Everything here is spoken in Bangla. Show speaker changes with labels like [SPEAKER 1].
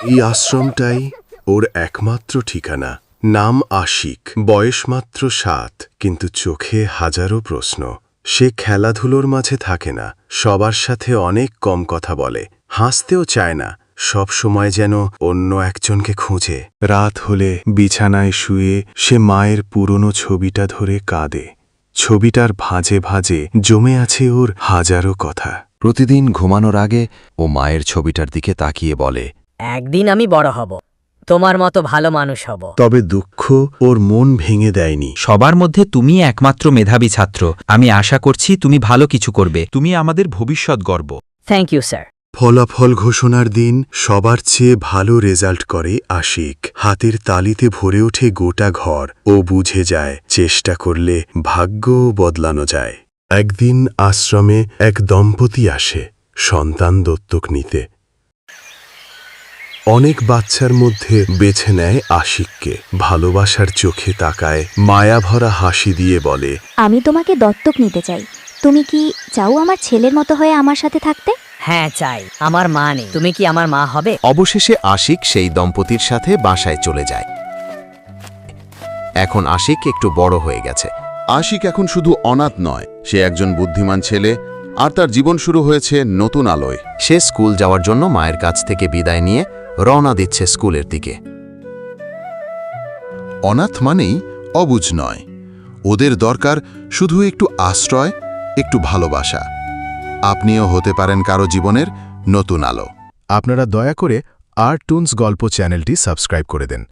[SPEAKER 1] এই আশ্রমটাই ওর একমাত্র ঠিকানা। নাম আশিক, বয়স মাত্র 7, কিন্তু চোখে হাজারো প্রশ্ন। সে খেলাধুলোর মাঝে থাকে না, সবার সাথে অনেক কম কথা বলে, হাসতেও চায় না, সব সময় যেন অন্য একজনকে খুঁজে। রাত হলে বিছানায় শুয়ে সে মায়ের পুরনো ছবিটা ধরে কাঁদে। ছবিটার ভাঁজে ভাঁজে জমে আছে ওর হাজারো কথা।
[SPEAKER 2] প্রতিদিন ঘুমানোর আগে ও মায়ের ছবিটার দিকে তাকিয়ে বলে,
[SPEAKER 3] একদিন আমি বড় হব, তোমার মতো ভালো মানুষ হব।
[SPEAKER 1] তবে দুঃখ ওর মন ভেঙে দেয়নি।
[SPEAKER 4] সবার মধ্যে তুমি একমাত্র মেধাবী ছাত্র। আমি আশা করছি তুমি ভালো কিছু করবে। তুমি আমাদের ভবিষ্যৎ গর্ব।
[SPEAKER 3] Thank you sir.
[SPEAKER 1] ফলাফল ঘোষণার দিন সবার চেয়ে ভালো রেজাল্ট করে আশিক। হাতের তালিতে ভরে ওঠে গোটা ঘর। ও বুঝে যায় চেষ্টা করলে ভাগ্যও বদলানো যায়। একদিন আশ্রমে এক দম্পতি আসে সন্তান দত্তক নিতে। অনেক বাচ্চার মধ্যে বেছে নেয় আশিককে। ভালোবাসার চোখে তাকায়, মায়াভরা হাসি দিয়ে বলে,
[SPEAKER 5] আমি তোমাকে দত্তক নিতে চাই। তুমি কি চাও আমার ছেলের মতো হয়ে আমার সাথে থাকতে?
[SPEAKER 3] হ্যাঁ চাই। আমার মা নেই, তুমি কি আমার মা হবে?
[SPEAKER 2] অবশেষে আশিক সেই দম্পতির সাথে বাসায় চলে যায়। এখন আশিক একটু বড় হয়ে গেছে।
[SPEAKER 6] আশিক এখন শুধু অনাথ নয়, সে একজন বুদ্ধিমান ছেলে, আর তার জীবন শুরু হয়েছে নতুন আলোয়।
[SPEAKER 2] সে স্কুল যাওয়ার জন্য মায়ের কাছ থেকে বিদায় নিয়ে রওনা দিচ্ছে স্কুলের দিকে।
[SPEAKER 6] অনাথ মানেই অবুঝ নয়, ওদের দরকার শুধু একটু আশ্রয়, একটু ভালোবাসা। আপনিও হতে পারেন কারো জীবনের নতুন আলো।
[SPEAKER 1] আপনারা দয়া করে আর্টটুনস গল্প চ্যানেলটি সাবস্ক্রাইব করে দেন।